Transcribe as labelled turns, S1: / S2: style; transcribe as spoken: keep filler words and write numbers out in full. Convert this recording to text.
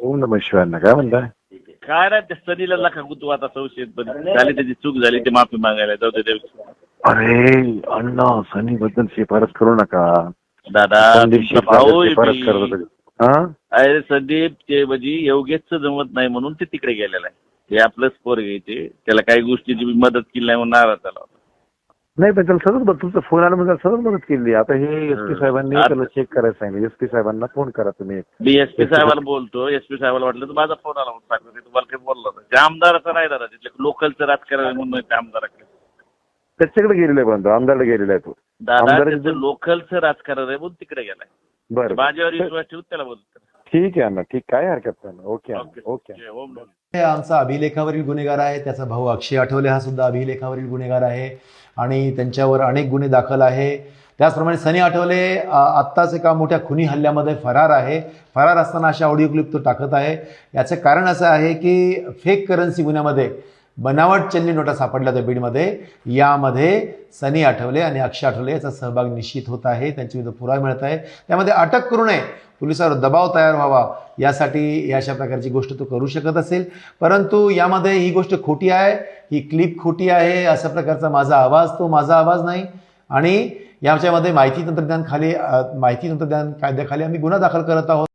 S1: ओम नमः शिवाय. काय म्हणताय?
S2: काय नाही त्या सनीला लाखा तू आता संशयित पण झाली, त्याची चूक झाली, ते माफी मागायला जाऊ दे देव.
S1: अरे अण्णा, सनी बद्दल शिफारस करू नका.
S2: दादा
S1: संदीप
S2: तुमचा
S1: शिरसागर
S2: भाऊ आहे
S1: शिफारस
S2: मी.
S1: करत होते. हा?
S2: अरे संदीप ते म्हणजे योगेशचं जमत नाही म्हणून ते तिकडे गेलेलं आहे. ते आपलंच पोर घ्यायचे, त्याला काही गोष्टीची मी मदत केली नाही म्हणून नाराज झाला होता.
S1: नाही पण त्याला सतत बघ, तुमचा फोन आला म्हणजे सतत मदत केली. आता हे एस पी साहेबांनी
S2: आता-
S1: त्याला चेक करायला सांगितलं. एस पी साहेबांना फोन करा तुम्ही.
S2: मी एस पी साहेबाला बोलतो, एस पी साहेबाला वाटलं तर माझा फोन आला म्हणून सांगतो, ते तुम्हाला काही बोलला नाही. त्या आमदाराचं नाही दादा, तिथले लोकलचं राजकारण म्हणून त्या आमदाराकडे.
S1: त्याच्याकडे गेलेला आहे पण तो आमदारला गेलेला आहे तो.
S2: दादा
S1: आमदाराचं-
S2: त्याचं लोकलचं राजकारण आहे म्हणून तिकडे गेलाय.
S1: बरं
S2: माझ्यावर विश्वास ठेवून त्याला बोलतो.
S1: ठीक आहे अण्णा, ठीक, काय हरकत नाही. Okay
S2: okay
S1: okay.
S2: जय ओम नमः.
S3: हे आमचा अभिलेखावरील गुन्हेगार आहे. त्याचा भाऊ अक्षय आठवले हा सुद्धा अभिलेखावरील गुन्हेगार आहे आणि त्यांच्यावर अनेक गुन्हे दाखल आहे. त्याचप्रमाणे सनी आठवले अ, आत्ताच एका मोठ्या खुनी हल्ल्यामध्ये फरार आहे. फरार असताना अशा ऑडिओ क्लिप तो टाकत आहे. याचं कारण असं आहे की फेक करन्सी गुन्ह्यामध्ये बनावट चलनी नोटा सापडल्या होत्या बीडमध्ये. यामध्ये सनी आठवले आणि अक्षय आठवले याचा सहभाग निश्चित होत आहे. त्यांच्याविरुद्ध पुरावा मिळत आहे. त्यामध्ये अटक करू नये, पोलिसांवर दबाव तयार व्हावा यासाठी अशा प्रकारची गोष्ट तो करू शकत असेल. परंतु यामध्ये ही गोष्ट खोटी आहे, ही क्लिप खोटी आहे, अशा प्रकारचा माझा आवाज तो माझा आवाज नाही. आणि याच्यामध्ये माहिती तंत्रज्ञान खाली माहिती तंत्रज्ञान कायद्याखाली आम्ही गुन्हा दाखल करत आहोत.